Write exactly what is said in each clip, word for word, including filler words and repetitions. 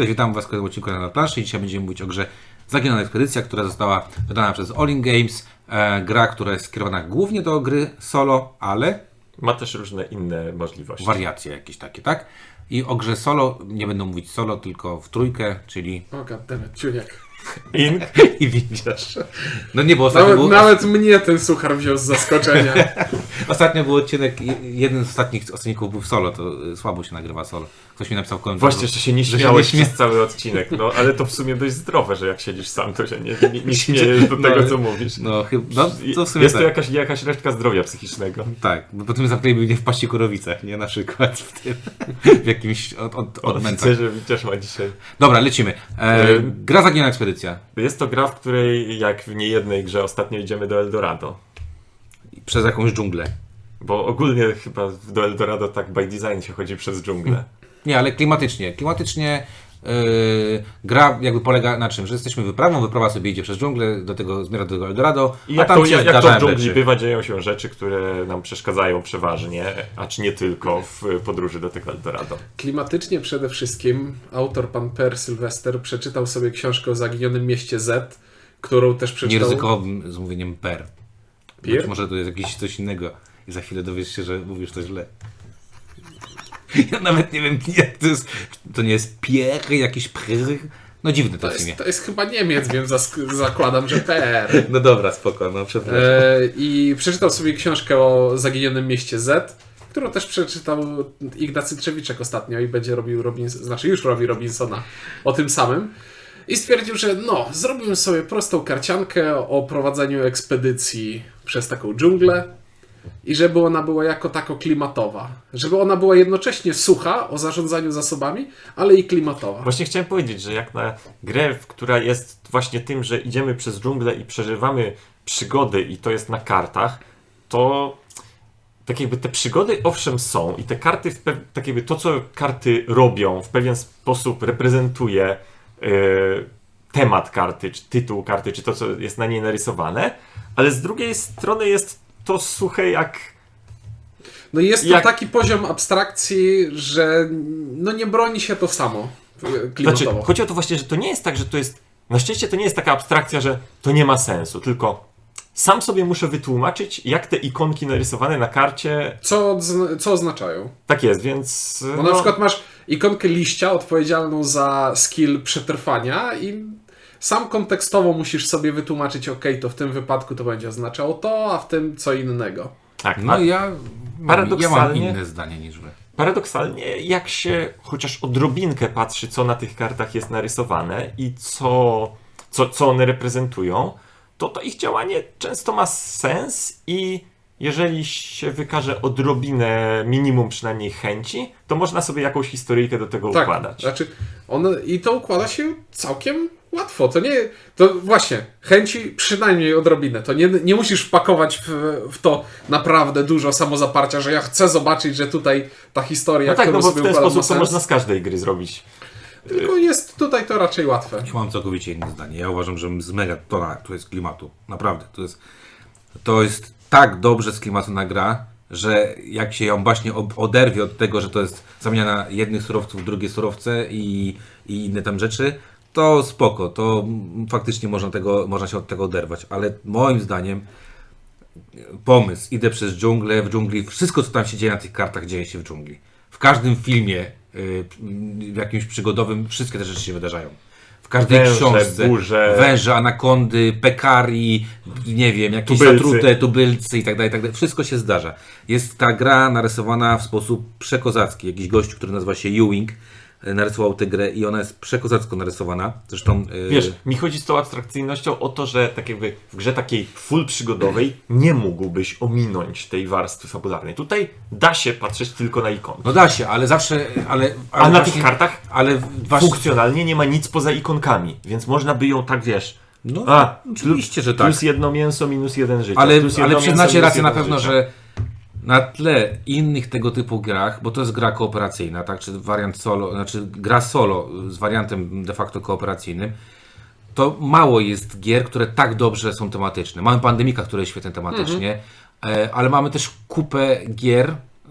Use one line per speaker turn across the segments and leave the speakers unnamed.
Cześć, witam Was w kolejnym odcinku na planszy. Dzisiaj będziemy mówić o grze Zaginiona Ekspedycja, która została wydana przez All In Games. E, gra, która jest skierowana głównie do gry solo, ale
ma też różne inne możliwości.
Wariacje jakieś takie, tak? I o grze solo nie będą mówić solo, tylko w trójkę, czyli...
O, goddammit, ciuniek.
Ink
I widzisz. No nie, bo ostatnio
Nawet,
był...
nawet mnie ten suchar wziął z zaskoczenia.
Ostatnio był odcinek, jeden z ostatnich odcinków był w solo, to słabo się nagrywa solo. Ktoś mi napisał w komentarzu.
Właśnie, że się nie
że
śmiałeś
się nie
przez cały odcinek, no ale to w sumie dość zdrowe, że jak siedzisz sam, to się nie, nie, nie śmiejesz do
No,
tego, co mówisz.
No, chyba, no to w sumie
Jest
tak.
to jakaś, jakaś resztka zdrowia psychicznego.
Tak, bo potem zamknęliby mnie w Paści Kurowicach, nie? Na przykład w tym, w jakimś od, od, odmętach.
Widzę, że Wiciarz ma dzisiaj.
Dobra, lecimy. E,
E,
gra Zaginiona Ekspedycja.
Jest to gra, w której jak w niejednej grze ostatnio idziemy do Eldorado.
Przez jakąś dżunglę.
Bo ogólnie chyba do Eldorado tak by design się chodzi przez dżunglę.
Nie, ale klimatycznie. Klimatycznie yy, gra jakby polega na czym? Że jesteśmy wyprawą, wyprawa sobie idzie przez dżunglę, do tego zmierza do tego Eldorado,
I
a
jak
tam
to,
się
jak, jak to
zdarzają
w dżungli
rzeczy.
bywa, dzieją się rzeczy, które nam przeszkadzają przeważnie, a czy nie tylko w podróży do tego Eldorado.
Klimatycznie przede wszystkim autor pan Per Sylwester przeczytał sobie książkę o zaginionym mieście Z, którą też
Nie
przeczytał...
ryzykowym z mówieniem per.
Pier?
Być może to jest jakieś coś innego i za chwilę dowiesz się, że mówisz to źle. Ja nawet nie wiem, jak to jest. To nie jest pier, jakiś pr. No dziwne to,
To
jest imię.
jest, to jest chyba Niemiec, więc zask- zakładam, że Per.
No dobra, spoko, no przepraszam.
E, I przeczytał sobie książkę o zaginionym mieście Z, którą też przeczytał Ignacy Trzewiczek ostatnio i będzie robił Robins- znaczy już robi Robinsona o tym samym. I stwierdził, że no, zrobimy sobie prostą karciankę o prowadzeniu ekspedycji przez taką dżunglę i żeby ona była jako tako klimatowa. Żeby ona była jednocześnie sucha o zarządzaniu zasobami, ale i klimatowa.
Właśnie chciałem powiedzieć, że jak na grę, która jest właśnie tym, że idziemy przez dżunglę i przeżywamy przygody i to jest na kartach, to tak jakby te przygody owszem są i te karty, w pew- tak jakby to co karty robią w pewien sposób reprezentuje yy, temat karty, czy tytuł karty, czy to co jest na niej narysowane, ale z drugiej strony jest to suche jak...
No i jest to
Jak-
taki poziom abstrakcji, że no nie broni się to samo klimatowo.
Znaczy, chodzi o to właśnie, że to nie jest tak, że to jest... Na szczęście to nie jest taka abstrakcja, że to nie ma sensu, tylko sam sobie muszę wytłumaczyć, jak te ikonki narysowane na karcie...
Co, odzna- co oznaczają?
Tak jest, więc...
Bo na przykład masz ikonkę liścia odpowiedzialną za skill przetrwania i sam kontekstowo musisz sobie wytłumaczyć, ok, to w tym wypadku to będzie oznaczało to, a w tym co innego.
Tak,
No
a
ja, ja mam
paradoksalnie-
inne zdanie niż wy.
paradoksalnie jak się chociaż odrobinkę patrzy, co na tych kartach jest narysowane i co, co, co one reprezentują, to to ich działanie często ma sens i jeżeli się wykaże odrobinę, minimum przynajmniej chęci, to można sobie jakąś historyjkę do tego
Tak,
układać.
znaczy on, i to układa się całkiem łatwo. To nie, to właśnie, chęci przynajmniej odrobinę. To nie, nie musisz wpakować w, w to naprawdę dużo samozaparcia, że ja chcę zobaczyć, że tutaj ta historia,
No tak,
którą
no bo w
sobie
ten
układam,
sposób
ma
to
sens.
można z każdej gry zrobić.
Tylko jest tutaj to raczej łatwe.
Ja mam całkowicie inne zdanie. Ja uważam, że z mega tona tu jest klimatu. Naprawdę. To jest, to jest tak dobrze z klimatu na gra, że jak się ją właśnie ob- oderwie od tego, że to jest zamiana jednych surowców w drugie surowce i, i inne tam rzeczy, to spoko. To mm, faktycznie można, tego, można się od tego oderwać. Ale moim zdaniem pomysł, idę przez dżunglę, w dżungli, wszystko co tam się dzieje na tych kartach dzieje się w dżungli. W każdym filmie yy, w jakimś przygodowym wszystkie te rzeczy się wydarzają. W każdej
Węże,
książce.
burze.
Węże, anakondy, pekari, nie wiem, jakieś
Tubylcy.
zatrute, tubylcy i tak dalej, i tak dalej. Wszystko się zdarza. Jest ta gra narysowana w sposób przekozacki. Jakiś gościu, który nazywa się Ewing, yy, narysował tę grę i ona jest przekozacko narysowana. Zresztą yy,
Wiesz, mi chodzi z tą abstrakcyjnością o to, że tak jakby w grze takiej full przygodowej nie mógłbyś ominąć tej warstwy fabularnej. Tutaj da się patrzeć tylko na ikonki.
no da się, ale zawsze, ale, ale
A na
właśnie-
tych kartach
ale właśnie,
funkcjonalnie nie ma nic poza ikonkami, więc można by ją tak, wiesz...
no,
A,
oczywiście, że tak.
Plus jedno mięso, minus jeden życia.
Ale,
plus
ale
jedno
przyznacie
mięso,
rację
minus
na
jeden
pewno,
życia.
że na tle innych tego typu grach, bo to jest gra kooperacyjna, tak, czy wariant solo, znaczy gra solo z wariantem de facto kooperacyjnym, to mało jest gier, które tak dobrze są tematyczne. Mamy Pandemika, które jest świetne tematycznie, e, ale mamy też kupę gier,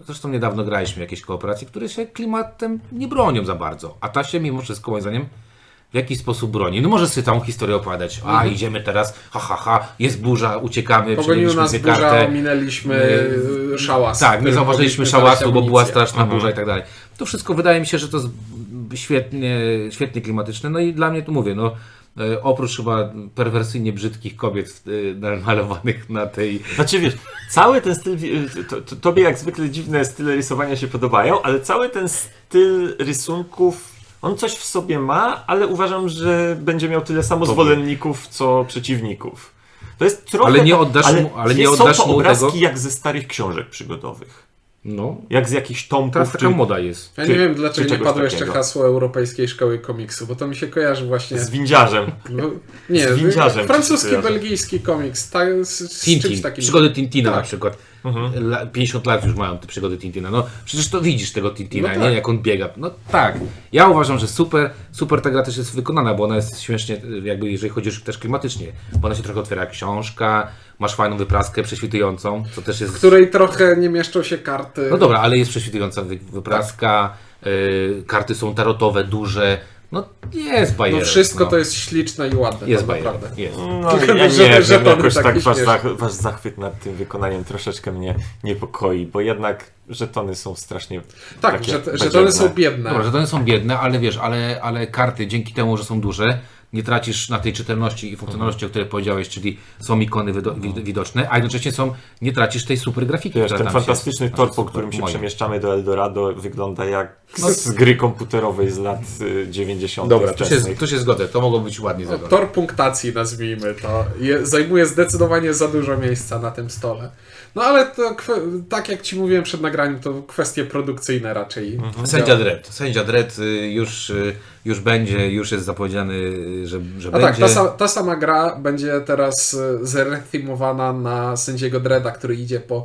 zresztą niedawno graliśmy w jakieś kooperacje, które się klimatem nie bronią za bardzo, a ta się mimo wszystko moim zdaniem w jakiś sposób broni. No możesz sobie całą historię opowiadać, a
Mhm.
idziemy teraz, ha ha ha, jest burza, uciekamy,
Pogonił
przenieśliśmy
nas
dwie
burza,
kartę.
ominęliśmy y, szałas.
Tak, nie
którym
zauważyliśmy
mogliśmy
szałasu,
znaleźć
bo była
amunicję.
straszna
Mhm.
burza i tak dalej. To wszystko wydaje mi się, że to jest świetnie, świetnie klimatyczne. No i dla mnie tu mówię, no e, oprócz chyba perwersyjnie brzydkich kobiet e, malowanych na tej...
Znaczy wiesz, cały ten styl, to, to, tobie jak zwykle dziwne style rysowania się podobają, ale cały ten styl rysunków, on coś w sobie ma, ale uważam, że będzie miał tyle samo zwolenników, co przeciwników. To jest trochę...
Ale nie oddasz
ale
mu- ale nie
są
oddasz
to
mu
obrazki
tego-
jak ze starych książek przygodowych.
No,
Jak z jakichś tomków.
teraz taka
czy-
moda jest.
Ja
Czy-
nie wiem,
czy
dlaczego nie
czegoś
padło jeszcze
takiego.
hasło Europejskiej Szkoły Komiksu, bo to mi się kojarzy właśnie...
Z windziarzem.
No, nie,
z windziarzem
francuski,
ci się kojarzy.
belgijski komiks, tak, z, z
Tintin,
czymś takim.
przygody Tintina
Tak.
na przykład.
Mhm.
La- pięćdziesiąt lat już mają te przygody Tintina. No przecież to widzisz tego Tintina,
No
nie?
tak.
Jak on biega. No tak. Ja uważam, że super, super ta gra też jest wykonana, bo ona jest śmiesznie, jakby jeżeli chodzi już też klimatycznie, bo ona się trochę otwiera jak książka, masz fajną wypraskę prześwitującą, co też jest...
W której trochę nie mieszczą się karty.
No dobra, ale jest prześwitująca wy- wypraska, y, karty są tarotowe, duże, no jest bajer.
No wszystko
no.
to jest śliczne i ładne.
Jest
no,
bajer,
naprawdę.
jest.
No,
Tylko,
ja
że-
nie
że
wiem,
to
jakoś
tak
tak
nie
wasz,
śmieszne.
zach, wasz zachwyt nad tym wykonaniem troszeczkę mnie niepokoi, bo jednak żetony są strasznie
Tak,
takie
że, że
badziewne.
one są biedne.
Dobra, że to nie są biedne, ale wiesz, ale, ale karty dzięki temu, że są duże, nie tracisz na tej czytelności i funkcjonalności, o której powiedziałeś, czyli są ikony wido wid widoczne, a jednocześnie są, nie tracisz tej super grafiki,
Wiesz,
która
ten
tam
fantastyczny
się,
tor,
znaczy
po
super,
którym się
moim.
przemieszczamy do Eldorado, wygląda jak
No.
z gry komputerowej z lat y, dziewięćdziesiątych
Dobra, tu się,
wczesnych.
tu się zgodzę, to mogło być ładnie
No,
zrobione.
tor punktacji, nazwijmy to, je, zajmuje zdecydowanie za dużo miejsca na tym stole. No ale to, kwe- tak jak Ci mówiłem przed nagraniem, to kwestie produkcyjne raczej.
Sędzia
działają.
Dredd. Sędzia Dredd y, już, y, już będzie, już jest zapowiedziany, y, że, że
A tak,
będzie.
ta, sa- ta sama gra będzie teraz e, zrethemowana na sędziego Dredda, który idzie po,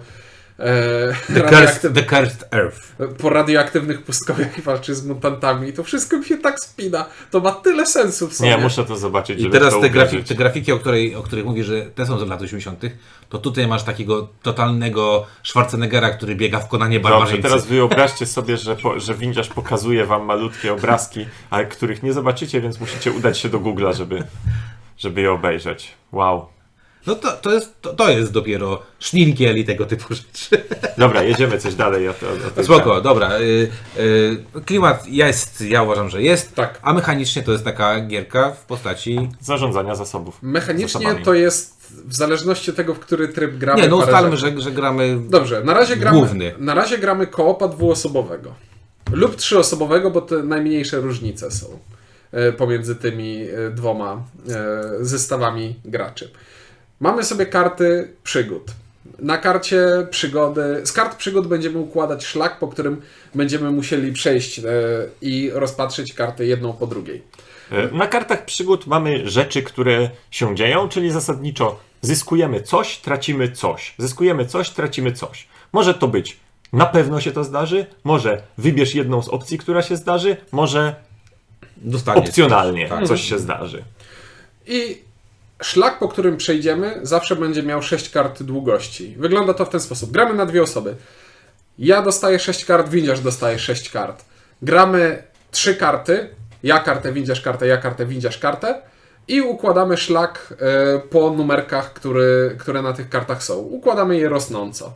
e,
The
radioaktyw-
Cursed, the Cursed Earth.
po radioaktywnych pustkowiach i walczy z mutantami. I to wszystko mi się tak spina. To ma tyle sensu w sobie.
Nie, muszę to zobaczyć,
I
żeby
teraz
to
te, grafiki,
uwierzyć.
te grafiki, o, której, o których mówisz, że te są z lat osiemdziesiątych, to tutaj masz takiego totalnego Schwarzeneggera, który biega w Konanie
Dobrze,
barbarzyńcy.
teraz wyobraźcie sobie, że, po, że windziarz pokazuje wam malutkie obrazki, ale których nie zobaczycie, więc musicie udać się do Google'a, żeby, żeby je obejrzeć. Wow.
No to, to, jest, to, to jest dopiero szninkiel i tego typu rzeczy.
Dobra, jedziemy coś dalej. O, o, o tej
Spoko,
grze.
dobra. Y, y, klimat jest, ja uważam, że jest,
Tak.
a mechanicznie to jest taka gierka w postaci...
Zarządzania zasobów.
Mechanicznie
zasobami.
to jest w zależności od tego, w który tryb gramy.
Nie, no
parę
ustalmy,
rzeczy.
że, że gramy...
Dobrze, na razie gramy,
Główny.
na razie gramy koopa dwuosobowego. Lub trzyosobowego, bo te najmniejsze różnice są e, pomiędzy tymi e, dwoma e, zestawami graczy. Mamy sobie karty przygód. Na karcie przygody, z kart przygód będziemy układać szlak, po którym będziemy musieli przejść e, i rozpatrzyć karty jedną po drugiej.
E, Na kartach przygód mamy rzeczy, które się dzieją, czyli zasadniczo zyskujemy coś, tracimy coś. Zyskujemy coś, tracimy coś. Może to być na pewno się to zdarzy, może wybierz jedną z opcji, która się zdarzy, może
Dostaniesz.
opcjonalnie
Tak.
coś się zdarzy.
I szlak, po którym przejdziemy, zawsze będzie miał sześć kart długości. Wygląda to w ten sposób. Gramy na dwie osoby. Ja dostaję sześć kart, windziarz dostaje sześć kart. Gramy trzy karty. Ja kartę, windziarz kartę, ja kartę, windziarz kartę. I układamy szlak e, po numerkach, który, które na tych kartach są. Układamy je rosnąco.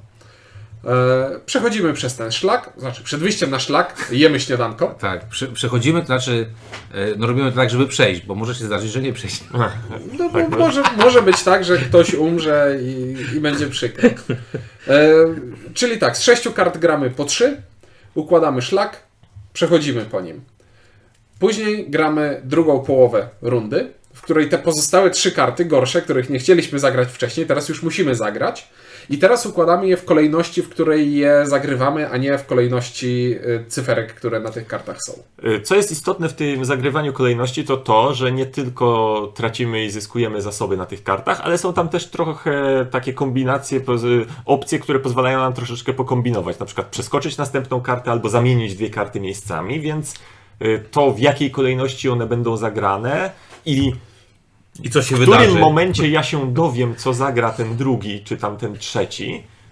E, przechodzimy przez ten szlak, znaczy przed wyjściem na szlak jemy śniadanko.
Tak, prze, przechodzimy, to znaczy, e, no robimy to tak, żeby przejść, bo może się zdarzyć, że nie przejść.
No, bo może, może być tak, że ktoś umrze i, i będzie przykro. E, czyli tak, z sześciu kart gramy po trzy, układamy szlak, przechodzimy po nim. Później gramy drugą połowę rundy, w której te pozostałe trzy karty, gorsze, których nie chcieliśmy zagrać wcześniej, teraz już musimy zagrać. I teraz układamy je w kolejności, w której je zagrywamy, a nie w kolejności y, cyferek, które na tych kartach są.
Y, Co jest istotne w tym zagrywaniu kolejności, to to, że nie tylko tracimy i zyskujemy zasoby na tych kartach, ale są tam też trochę takie kombinacje, poz- opcje, które pozwalają nam troszeczkę pokombinować. Na przykład przeskoczyć następną kartę albo zamienić dwie karty miejscami, więc y, to w jakiej kolejności one będą zagrane i
I co się
w
wydarzy?
którym momencie ja się dowiem, co zagra ten drugi, czy tam ten trzeci,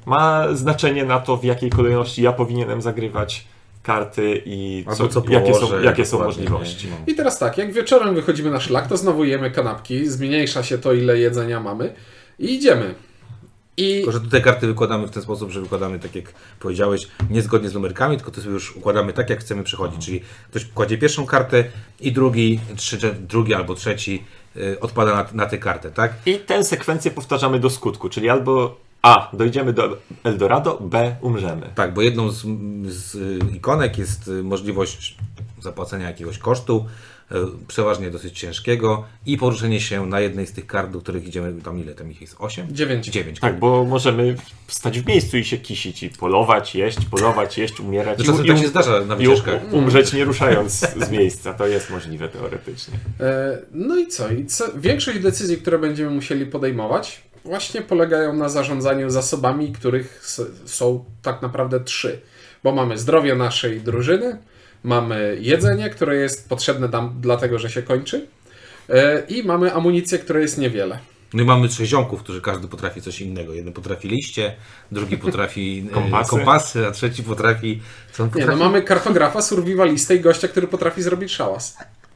ma znaczenie na to, w jakiej kolejności ja powinienem zagrywać karty i
Albo co
jakie są,
położę,
jakie są
dokładnie,
możliwości.
nie? No.
I teraz tak, jak wieczorem wychodzimy na szlak, to znowu jemy kanapki, zmniejsza się to, ile jedzenia mamy i idziemy. I
Tylko, że tutaj karty wykładamy w ten sposób, że wykładamy tak jak powiedziałeś, niezgodnie z numerkami, tylko to sobie już układamy tak, jak chcemy przechodzić. Czyli ktoś kładzie pierwszą kartę i drugi, trzeci, drugi albo trzeci y, odpada na, na tę kartę, tak?
I tę sekwencję powtarzamy do skutku, czyli albo A, dojdziemy do Eldorado, B, umrzemy.
Tak, bo jedną z, z y, ikonek jest y, możliwość zapłacenia jakiegoś kosztu, y, przeważnie dosyć ciężkiego i poruszenie się na jednej z tych kart, do których idziemy, tam ile tam ich jest? osiem?
dziewięć.
dziewięć.
Tak, bo możemy stać w miejscu i się kisić i polować, jeść, polować, jeść, umierać.
No
i-
czasem
i
tak
um-
się zdarza na
I
wycieczkach.
u- umrzeć nie ruszając z miejsca. To jest możliwe teoretycznie.
E, No i co? I co? Większość decyzji, które będziemy musieli podejmować, właśnie polegają na zarządzaniu zasobami, których s- są tak naprawdę trzy. Bo mamy zdrowie naszej drużyny, mamy jedzenie, które jest potrzebne nam dlatego, że się kończy, e, i mamy amunicję, która jest niewiele.
No i mamy trzech ziomków, którzy każdy potrafi coś innego. Jeden potrafi liście, drugi potrafi e,
Kompasy.
kompasy, a trzeci potrafi... Co on
Nie,
potrafi?
no mamy kartografa, survivalistę i gościa, który potrafi zrobić szałas.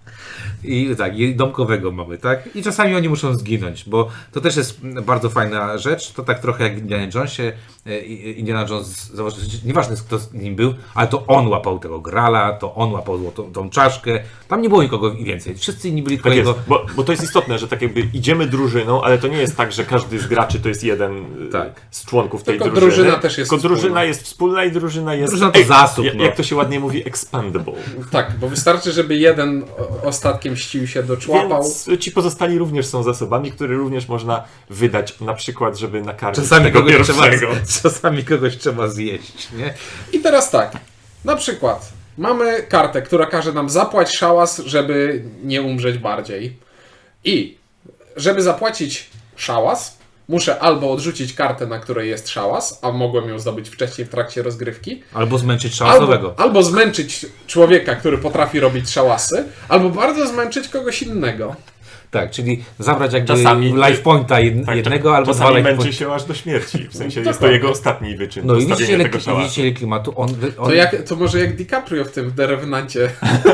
I tak, i domkowego mamy, tak? I czasami oni muszą zginąć, bo to też jest bardzo fajna rzecz. To tak trochę jak w Indiana Jonesie. E, Indiana Jones, zobacz, nieważne kto z nim był, ale to on łapał tego grala, to on łapał tą, tą czaszkę. Tam nie było nikogo więcej. Wszyscy inni byli tylko
Tak jest,
jego...
bo, bo to jest istotne, że tak jakby idziemy drużyną, ale to nie jest tak, że każdy z graczy to jest jeden y,
Tak.
z członków tej
Tylko
drużyny.
drużyna też jest
Tylko drużyna
wspólna.
jest wspólna i drużyna jest...
Drużyna to zasób,
jak,
no.
jak to się ładnie mówi, expandable.
Tak, bo wystarczy, żeby jeden o- ostatkiem ścił się, doczłapał.
Więc ci pozostali również są zasobami, które również można wydać, na przykład, żeby nakarmić
Czasami
tego
kogoś, trzeba,
pierwszego.
czasami kogoś trzeba zjeść, nie?
I teraz tak, na przykład mamy kartę, która każe nam zapłać szałas, żeby nie umrzeć bardziej. I żeby zapłacić szałas, muszę albo odrzucić kartę, na której jest szałas, a mogłem ją zdobyć wcześniej w trakcie rozgrywki,
Albo zmęczyć szałasowego.
albo, albo zmęczyć człowieka, który potrafi robić szałasy, albo bardzo zmęczyć kogoś innego.
Tak, czyli zabrać jakby
Czasami-
life pointa jed,
Tak,
jednego albo dwa
czasami
life
męczy
pointa.
się aż do śmierci. W sensie jest to
Dokładnie.
jego ostatni wyczyn.
No i
postawienie
widzicie ile,
tego szałasu.
widzicie ile klimatu. On, wy- on,
To, jak, to może jak DiCaprio w tym w The Revenancie.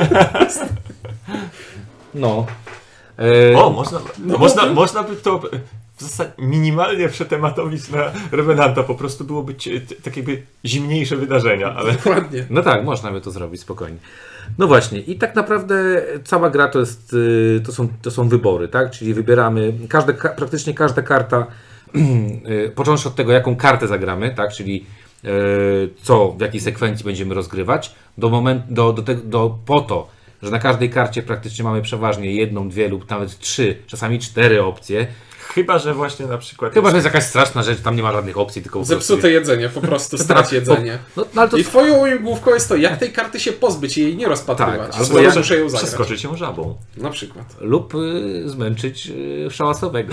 No. E,
O, można,
No,
można,
no.
można by to w zasadzie minimalnie przetematowić na Revenanta. Po prostu byłoby cie- t- tak jakby zimniejsze wydarzenia, ale
Dokładnie.
No tak, można by to zrobić spokojnie. No właśnie, i tak naprawdę cała gra to jest, y, to są, to są wybory, tak? Czyli wybieramy, każda, ka- praktycznie każda karta, y, począwszy od tego, jaką kartę zagramy, tak? Czyli y, co, w jakiej sekwencji będziemy rozgrywać, do momentu, do, do, te, do, po to, że na każdej karcie praktycznie mamy przeważnie jedną, dwie lub nawet trzy, czasami cztery opcje.
chyba, że właśnie na przykład...
Chyba, że jest jakaś straszna rzecz, tam nie ma żadnych opcji, tylko po prostu
Zepsute jedzenie, po prostu strać jedzenie.
No, no ale to
I twoją łamigłówką jest to, jak tej karty się pozbyć i jej nie rozpatrywać.
Tak,
albo
albo
ja
jak
muszę ją zagrać.
Przeskoczyć ją żabą.
Na przykład.
lub y, zmęczyć y, szałasowego.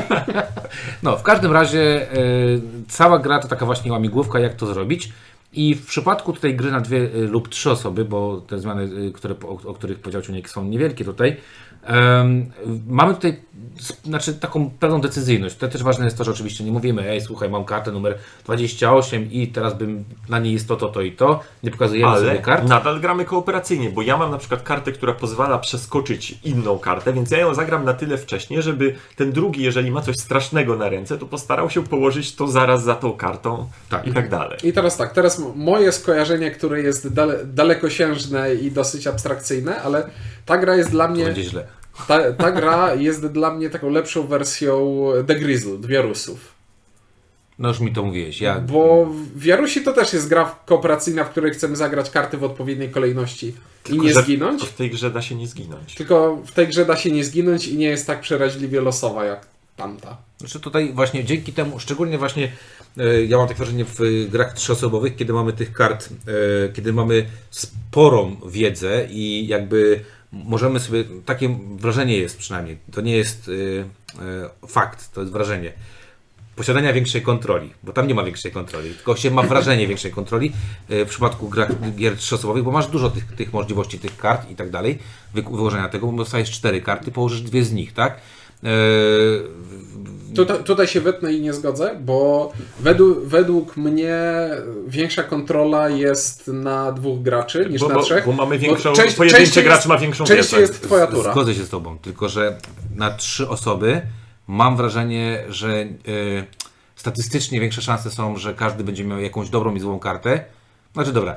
No, w każdym razie y, cała gra to taka właśnie łamigłówka, jak to zrobić. I w przypadku tutaj gry na dwie y, lub trzy osoby, bo te zmiany, y, które, o, o których powiedział Ciuniek, są niewielkie tutaj, em, mamy tutaj s- znaczy, taką pewną decyzyjność. To też ważne jest to, że oczywiście nie mówimy, ej, słuchaj, mam kartę numer dwadzieścia osiem i teraz bym na niej jest to, to, to i to. Nie pokazujemy sobie
Ale
kart.
nadal gramy kooperacyjnie, bo ja mam na przykład kartę, która pozwala przeskoczyć inną kartę, więc ja ją zagram na tyle wcześnie, żeby ten drugi, jeżeli ma coś strasznego na ręce, to postarał się położyć to zaraz za tą kartą
Tak.
i tak dalej.
I teraz tak, teraz m- moje skojarzenie, które jest dale, dalekosiężne i dosyć abstrakcyjne, ale ta gra jest dla
To
mnie,
będzie źle.
ta, ta gra jest dla mnie taką lepszą wersją The Grizzle, Wiarusów.
No już mi to mówiłeś. Ja,
Bo w Jarusi to też jest gra kooperacyjna, w której chcemy zagrać karty w odpowiedniej kolejności i nie
że
zginąć.
To w tej grze da się nie zginąć.
Tylko w tej grze da się nie zginąć i nie jest tak przeraźliwie losowa jak tamta.
Znaczy tutaj właśnie dzięki temu, szczególnie właśnie e, ja mam takie wrażenie w e, grach trzyosobowych, kiedy mamy tych kart, e, kiedy mamy sporą wiedzę i jakby możemy sobie, takie wrażenie jest przynajmniej, to nie jest e, e, fakt, to jest wrażenie posiadania większej kontroli, bo tam nie ma większej kontroli, tylko się ma wrażenie większej kontroli e, w przypadku grach, gier trzyosobowych, bo masz dużo tych, tych możliwości, tych kart i tak dalej, wy, wyłożenia tego, bo dostajesz cztery karty, położysz dwie z nich, tak? Yy,
Tutaj, tutaj się wetnę i nie zgodzę, bo według, według mnie większa kontrola jest na dwóch graczy niż
Bo,
na
bo,
trzech.
bo mamy większą,
Bo część-
pojedynczy
częściej
gracz
jest-
ma większą
częściej
wiedzę.
jest twoja tura.
Zgodzę się z tobą, tylko że na trzy osoby mam wrażenie, że yy, statystycznie większe szanse są, że każdy będzie miał jakąś dobrą i złą kartę. Znaczy dobra,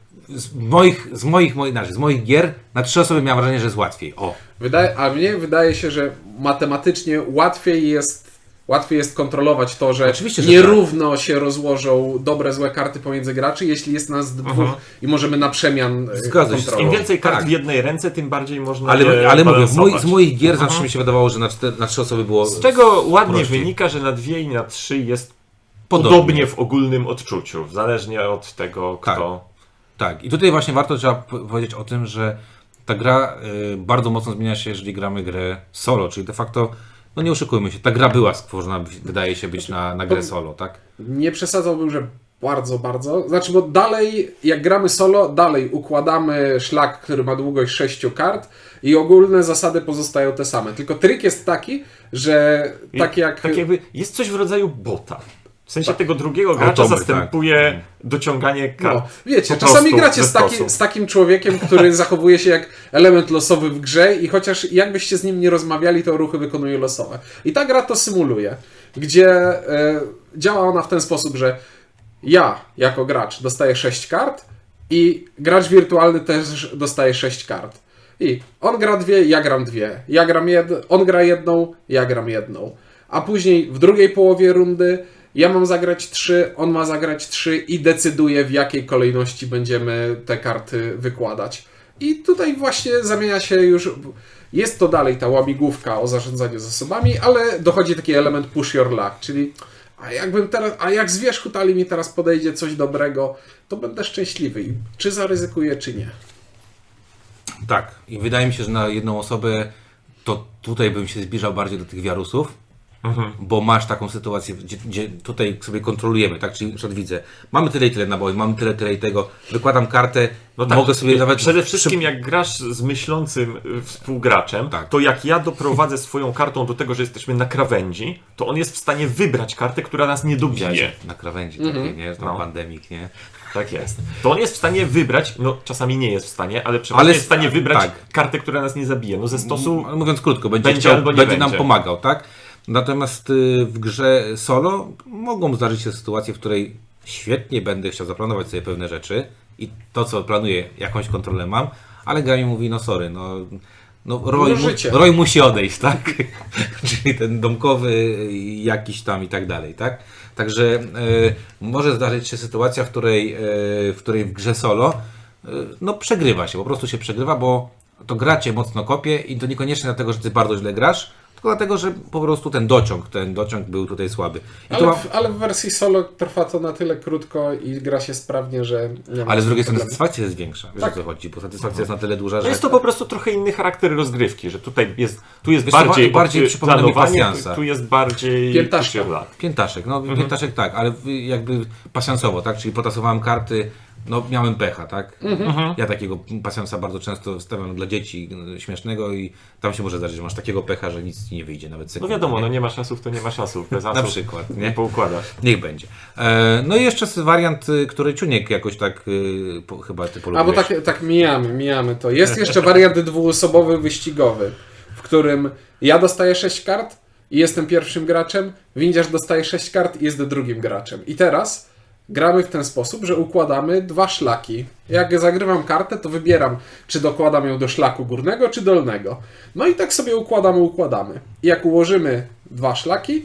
z moich, z moich, moich, znaczy, z moich gier na trzy osoby miałem wrażenie, że jest łatwiej. O,
Wydaje, a mnie wydaje się, że matematycznie łatwiej jest, łatwiej jest kontrolować to, że
Oczywiście, że
nierówno się rozłożą dobre, złe karty pomiędzy graczy, jeśli jest nas dwóch
Mhm.
i możemy na przemian e,
Zgadza się z
kontrolować.
Im więcej kart
Tak.
w jednej ręce, tym bardziej można
ale,
je
ale mówię, w moi,
balansować.
z moich gier zawsze mi się wydawało, że na, cztery, na trzy osoby było
Z czego ładnie
prościej.
wynika, że na dwie i na trzy jest
Podobnie.
podobnie w ogólnym odczuciu, zależnie od tego,
Tak.
kto...
Tak, i tutaj właśnie warto trzeba p- powiedzieć o tym, że ta gra y, bardzo mocno zmienia się, jeżeli gramy grę solo, czyli de facto, no nie oszukujmy się, ta gra była stworzona, wydaje się być na, na grę solo, tak?
Nie przesadzałbym, że bardzo, bardzo. Znaczy, bo dalej, jak gramy solo, dalej układamy szlak, który ma długość sześciu kart i ogólne zasady pozostają te same. Tylko trik jest taki, że tak jak...
Tak jakby jest coś w rodzaju bota. W sensie
Tak.
tego drugiego gracza
Automy,
zastępuje dociąganie kart.
No, wiecie,
po
czasami
prostu
gracie
ze
z, taki,
stosu.
z takim człowiekiem, który zachowuje się jak element losowy w grze i chociaż jakbyście z nim nie rozmawiali, to ruchy wykonuje losowe. I ta gra to symuluje, gdzie e, działa ona w ten sposób, że ja jako gracz dostaję sześć kart i gracz wirtualny też dostaje sześć kart. I on gra dwie, ja gram dwie. Ja gram jed... On gra jedną, ja gram jedną. A później w drugiej połowie rundy ja mam zagrać trzy, on ma zagrać trzy i decyduje, w jakiej kolejności będziemy te karty wykładać. I tutaj właśnie zamienia się już... Jest to dalej ta łamigłówka o zarządzaniu zasobami, ale dochodzi taki element push your luck, czyli a jakbym teraz, a jak z wierzchu talii mi teraz podejdzie coś dobrego, to będę szczęśliwy. I czy zaryzykuję, czy nie.
Tak, i wydaje mi się, że na jedną osobę to tutaj bym się zbliżał bardziej do tych wiarusów,
Mhm.
bo masz taką sytuację, gdzie, gdzie tutaj sobie kontrolujemy, tak? Czyli na przykład widzę, mamy tyle i tyle naboi, mamy tyle, tyle i tego, wykładam kartę,
No tak,
mogę sobie nawet...
przede wszystkim
przy-
jak grasz z myślącym y, współgraczem,
Tak.
to jak ja doprowadzę swoją kartą do tego, że jesteśmy na krawędzi, to on jest w stanie wybrać kartę, która nas nie dobije.
Na krawędzi
Mhm.
takiej, nie? Na
No.
pandemik, nie?
Tak jest. To on jest w stanie wybrać, no czasami nie jest w stanie, ale przeważnie
Ale
jest w stanie wybrać
tak.
kartę, która nas nie zabije. No ze stosu
M- Mówiąc krótko, będzie,
będzie
chciał,
albo nie
będzie nam
będzie.
pomagał, tak? Natomiast y, w grze solo mogą zdarzyć się sytuacje, w której świetnie będę chciał zaplanować sobie pewne rzeczy i to, co planuję, jakąś kontrolę mam, ale gra mi mówi, no sorry, no, no Roy,
No
mu,
życie.
Roy musi odejść, tak? Czyli ten domkowy jakiś tam i tak dalej, tak? Także y, może zdarzyć się sytuacja, w której, y, w której w grze solo y, no przegrywa się, po prostu się przegrywa, bo to gra cię mocno kopie i to niekoniecznie dlatego, że ty bardzo źle grasz, tylko dlatego, że po prostu ten dociąg, ten dociąg był tutaj słaby. I tu
Ale
mam,
w, ale w wersji solo trwa to na tyle krótko i gra się sprawnie, że nie ma
ale z drugiej strony
problemu.
satysfakcja jest większa, wiesz
Tak.
o co chodzi, bo satysfakcja jest na tyle duża, że...
no jest to po prostu trochę inny charakter rozgrywki, że tutaj jest, tu jest
Wiesz co,
bardziej,
bardziej
od-
przypomina mi
planowanie,
pasjansa.
tu, tu jest bardziej
Piętaszka.
push your luck.
Piętaszek, no piętaszek tak, ale w- jakby pasjansowo, tak? Czyli potasowałem karty, no miałem pecha, tak? Ja takiego pasjansa bardzo często stawiam dla dzieci y, śmiesznego i tam się może zdarzyć, że masz takiego pecha, że nic ci nie wyjdzie, nawet
No
sekundy.
wiadomo,
nie?
no nie ma szансów, to nie ma szансów. Bez
Na
asów
przykład,
nie
nie?
poukładasz.
Niech będzie. E, no i jeszcze jest wariant, y, który Czuniek jakoś tak y, po, chyba ty
A
polubiłeś.
bo tak, tak mijamy, mijamy to. Jest jeszcze wariant dwuosobowy, wyścigowy, w którym ja dostaję sześć kart i jestem pierwszym graczem, windziarz dostaje sześć kart i jest drugim graczem. I teraz gramy w ten sposób, że układamy dwa szlaki. Jak zagrywam kartę, to wybieram, czy dokładam ją do szlaku górnego, czy dolnego. No i tak sobie układamy, układamy. I jak ułożymy dwa szlaki,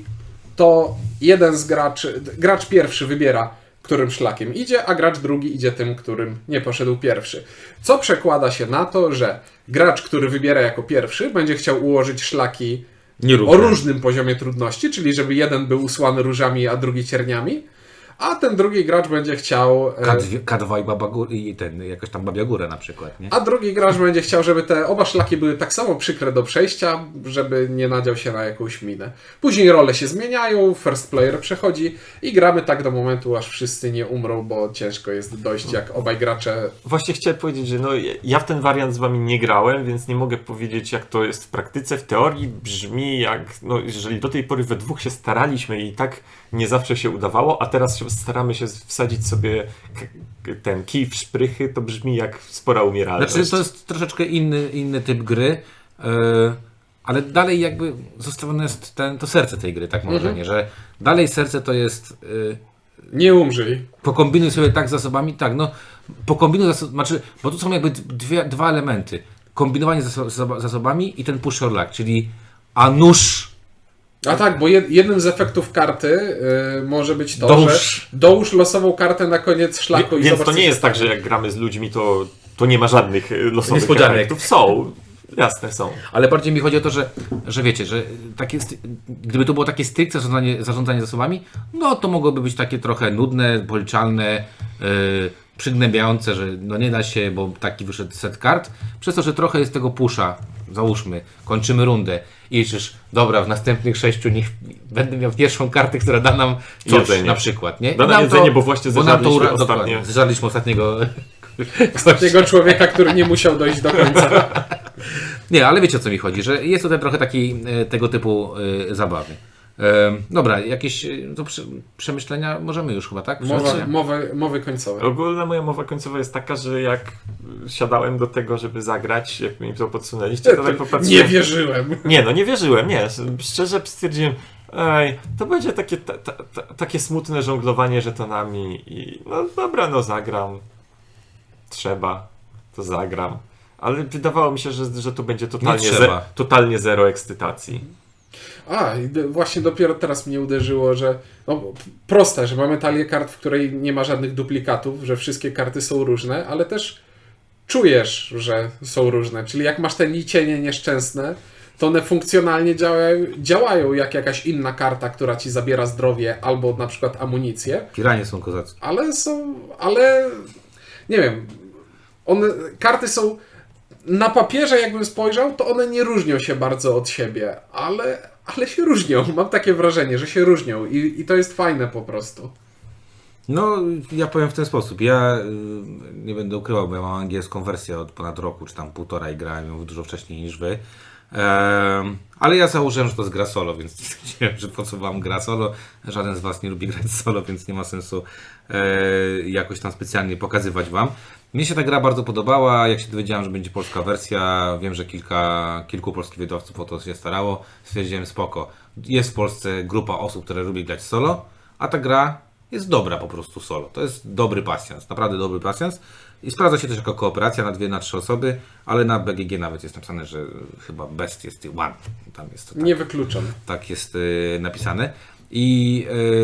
to jeden z graczy, gracz pierwszy wybiera, którym szlakiem idzie, a gracz drugi idzie tym, którym nie poszedł pierwszy. Co przekłada się na to, że gracz, który wybiera jako pierwszy, będzie chciał ułożyć szlaki
Nierówne.
o różnym poziomie trudności, czyli żeby jeden był usłany różami, a drugi cierniami, a ten drugi gracz będzie chciał... e,
K dwa, K dwa i, Baba Góra, i ten, jakoś tam Babia Góra na przykład, nie?
A drugi gracz będzie chciał, żeby te oba szlaki były tak samo przykre do przejścia, żeby nie nadział się na jakąś minę. Później role się zmieniają, first player przechodzi i gramy tak do momentu, aż wszyscy nie umrą, bo ciężko jest dojść, jak obaj gracze...
Właśnie chciałem powiedzieć, że no, ja w ten wariant z wami nie grałem, więc nie mogę powiedzieć, jak to jest w praktyce. W teorii brzmi jak, no, jeżeli do tej pory we dwóch się staraliśmy i tak nie zawsze się udawało, a teraz się staramy się wsadzić sobie k- ten kij w szprychy, to brzmi jak spora umieralność.
Znaczy, to jest troszeczkę inny, inny typ gry, yy, ale dalej jakby zostawione jest ten, to serce tej gry, tak mam
Mhm.
wrażenie, że dalej serce to jest... Yy,
Nie umrzyj.
pokombinuj sobie tak z zasobami, tak, no, pokombinuj zasób, znaczy, bo tu są jakby dwie, dwa elementy. Kombinowanie zaso- zasob- zasobami i ten push your luck, czyli a nóż
A tak, bo jed, jednym z efektów karty y, może być to,
Dołóż.
że dołóż losową kartę na koniec szlaku
Wie-
i
Więc
zobacz,
to
co
nie
się
jest tak,
stanie.
że jak gramy z ludźmi, to, to nie ma żadnych y, losowych
Niespodzianek.
efektów. Są. Jasne, są.
Ale bardziej mi chodzi o to, że, że wiecie, że takie, st- gdyby to było takie stricte zarządzanie, zarządzanie zasobami, no to mogłoby być takie trochę nudne, policzalne, yy, przygnębiające, że no nie da się, bo taki wyszedł set kart. Przez to, że trochę jest tego pusza, załóżmy, kończymy rundę i liczysz, dobra, w następnych sześciu niech będę miał pierwszą kartę, która da nam coś,
Jedzenie.
na przykład, nie?
Da
I
nam jedzenie, bo właśnie
nam
zeżarliśmy
ura-
ostatnio.
dokładnie, zeżarliśmy ostatniego
Tego człowieka, który nie musiał dojść do końca.
Nie, ale wiecie o co mi chodzi, że jest tutaj trochę takiej e, tego typu e, zabawy. E, dobra, jakieś e, to prze, przemyślenia możemy już chyba, tak?
Mowa,
Przemyślenia?
mowy, mowy końcowe.
Ogólna moja mowa końcowa jest taka, że jak siadałem do tego, żeby zagrać, jak mi to podsunęliście, to tak
Nie
popatrzyłem.
wierzyłem.
Nie, no nie wierzyłem, nie. Szczerze stwierdziłem, ej, to będzie takie, ta, ta, ta, takie smutne żonglowanie żetonami i no dobra, no zagram. Trzeba, to zagram. Ale wydawało mi się, że, że to będzie totalnie,
Nie
ze,
trzeba.
totalnie zero ekscytacji.
A, i d- właśnie dopiero teraz mnie uderzyło, że no, proste, że mamy talię kart, w której nie ma żadnych duplikatów, że wszystkie karty są różne, ale też czujesz, że są różne. Czyli jak masz te licienie nieszczęsne, to one funkcjonalnie działają, działają jak jakaś inna karta, która ci zabiera zdrowie albo na przykład amunicję,
Piranie są kozackie.
ale są, ale nie wiem, one, karty są na papierze, jakbym spojrzał, to one nie różnią się bardzo od siebie, ale, ale się różnią. Mam takie wrażenie, że się różnią i, i to jest fajne po prostu.
No, ja powiem w ten sposób. Ja y, nie będę ukrywał, bo ja mam angielską wersję od ponad roku, czy tam półtora i grałem ją dużo wcześniej niż wy. Ehm, ale ja założyłem, że to jest gra solo, więc stwierdziłem, że po co wam gra solo. Żaden z was nie lubi grać solo, więc nie ma sensu e, jakoś tam specjalnie pokazywać wam. Mnie się ta gra bardzo podobała. Jak się dowiedziałem, że będzie polska wersja, wiem, że kilka, kilku polskich wydawców o to się starało. Stwierdziłem, spoko. Jest w Polsce grupa osób, które lubi grać solo, a ta gra jest dobra po prostu solo. To jest dobry pasjans, naprawdę dobry pasjans. I sprawdza się też jako kooperacja na dwie, na trzy osoby, ale na B G G nawet jest napisane, że chyba best jest one. Tam jest to tak,
Nie wykluczam.
tak jest y, napisane. I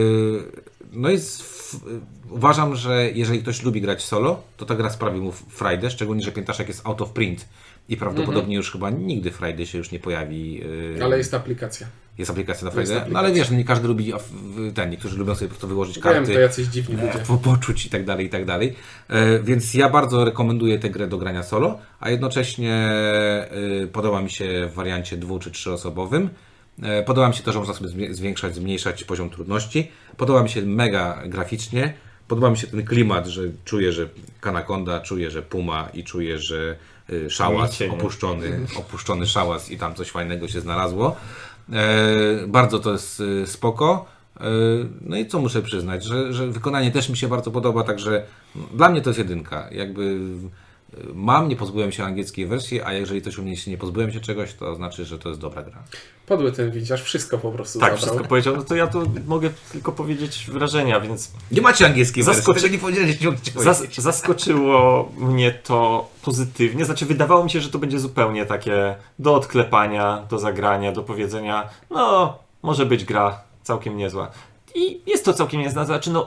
y, no i z, f, uważam, że jeżeli ktoś lubi grać solo, to ta gra sprawi mu frajdę, szczególnie, że Piętaszek jest out of print i prawdopodobnie już chyba nigdy Friday się już nie pojawi. y,
Ale jest aplikacja.
jest aplikacja na
jest
Friday. No ale wiesz, no nie każdy lubi a, w- ten, niektórzy lubią sobie po prostu wyłożyć karty.
Wiem, to jacyś dziwni ludzie.
Po, poczuć i tak dalej, i tak dalej. E, więc ja bardzo rekomenduję tę grę do grania solo, a jednocześnie e, podoba mi się w wariancie dwu czy trzyosobowym. E, podoba mi się to, że można sobie zmie- zwiększać, zmniejszać poziom trudności. Podoba mi się mega graficznie. Podoba mi się ten klimat, że czuję, że Kanakonda, czuję, że Puma i czuję, że y, szałas,
Micie, nie?
opuszczony, opuszczony szałas i tam coś fajnego się znalazło. E, bardzo to jest y, spoko. E, no i co muszę przyznać, że, że wykonanie też mi się bardzo podoba, także dla mnie to jest jedynka. Jakby y, mam, nie pozbyłem się angielskiej wersji, a jeżeli coś u mnie się nie pozbyłem się czegoś, to znaczy, że to jest dobra gra.
Podły ten widziarz, wszystko po prostu
Tak,
zabrał.
wszystko powiedział. No to ja tu mogę tylko powiedzieć wrażenia, więc
Nie macie angielskiej
Zaskoczy-
wersji, tego nie powiedzieliście, nie chciałem
Zas
powiedzieć.
zaskoczyło mnie to pozytywnie. Znaczy, wydawało mi się, że to będzie zupełnie takie do odklepania, do zagrania, do powiedzenia, no, może być gra całkiem niezła. I jest to całkiem niezła. Znaczy, no,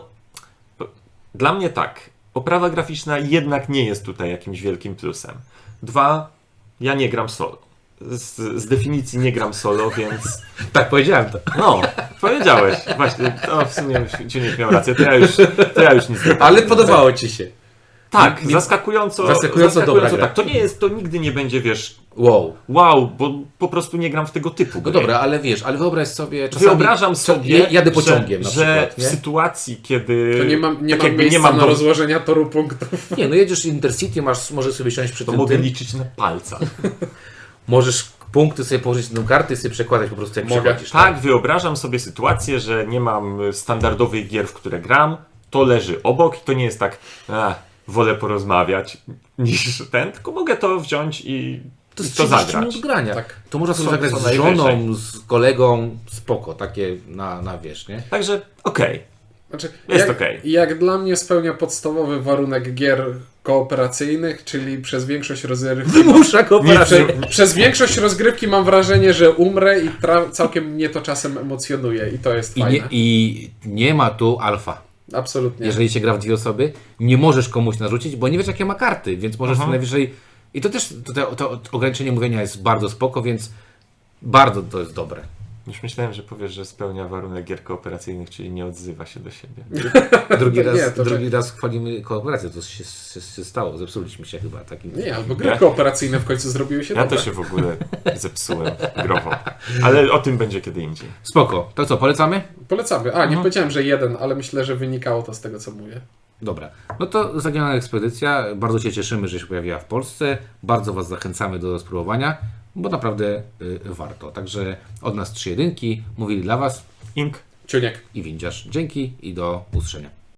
dla mnie tak. Oprawa graficzna jednak nie jest tutaj jakimś wielkim plusem. Dwa, ja nie gram solo. z, z definicji nie gram solo, więc
Tak, powiedziałem to.
no, powiedziałeś. Właśnie, to w sumie Ciuniek miał rację, to ja już, to ja już nic nie
Ale podobało ci się.
Tak,
Nie-
zaskakująco,
zaskakująco dobra gra.
tak. To nie jest, to nigdy nie będzie, wiesz,
Wow.
wow, bo po prostu nie gram w tego typu
No
gry.
dobra, ale wiesz, ale wyobraź sobie czasami...
Wyobrażam sobie,
ja- Jadę pociągiem
że,
na
że
przykład,
w
nie?
sytuacji, kiedy
To nie mam, nie
tak
mam
jakby
miejsca
nie mam
na
do-
rozłożenia toru punktów.
Nie, no jedziesz Intercity, masz, możesz sobie siąść przy
to
tym,
mogę
tym
liczyć na palcach.
możesz punkty sobie położyć na tą kartę i sobie przekładać po prostu jak
Mogę.
przechodzisz.
Tak, wyobrażam sobie sytuację, że nie mam standardowych gier, w które gram, to leży obok i to nie jest tak, a, wolę porozmawiać niż ten, tylko mogę to wziąć i
To
i
jest
to
trzydzieści
zagrać.
minut grania.
Tak.
To można sobie
Co-
zagrać
co
z
najwyżej.
żoną, z kolegą, spoko, takie na, na wiesz, nie?
Także okej.
Znaczy,
Jest
jak,
okej.
jak dla mnie spełnia podstawowy warunek gier kooperacyjnych, czyli przez większość rozgrywki...
Wymusza
Prze,
kooperację.
przez większość rozgrywki mam wrażenie, że umrę i tra- całkiem mnie to czasem emocjonuje i to jest
I
fajne.
nie, I nie ma tu alfa.
Absolutnie.
Jeżeli się gra w dwie osoby, nie możesz komuś narzucić, bo nie wiesz jakie ma karty, więc możesz
Mhm.
co najwyżej... I to też, to, to, to ograniczenie mówienia jest bardzo spoko, więc bardzo to jest dobre.
Już myślałem, że powiesz, że spełnia warunek gier kooperacyjnych, czyli nie odzywa się do siebie.
Drugi raz,
Nie, to
drugi raz chwalimy kooperację, to się, się, się stało, zepsuliśmy się chyba takim...
Nie, albo gry
Ja-
kooperacyjne w końcu zrobiły się
Ja
dobre.
to się w ogóle zepsułem growo. Ale o tym będzie kiedy indziej.
Spoko, to co, polecamy?
Polecamy. A, nie
Mhm.
powiedziałem, że jeden, ale myślę, że wynikało to z tego, co mówię.
Dobra, no to Zaginiona Ekspedycja, bardzo się cieszymy, że się pojawiła w Polsce, bardzo Was zachęcamy do spróbowania, bo naprawdę y, warto. Także od nas trzy jedynki, mówili dla Was
Ink.
Ciuniek.
i Windziarz. Dzięki i do usłyszenia.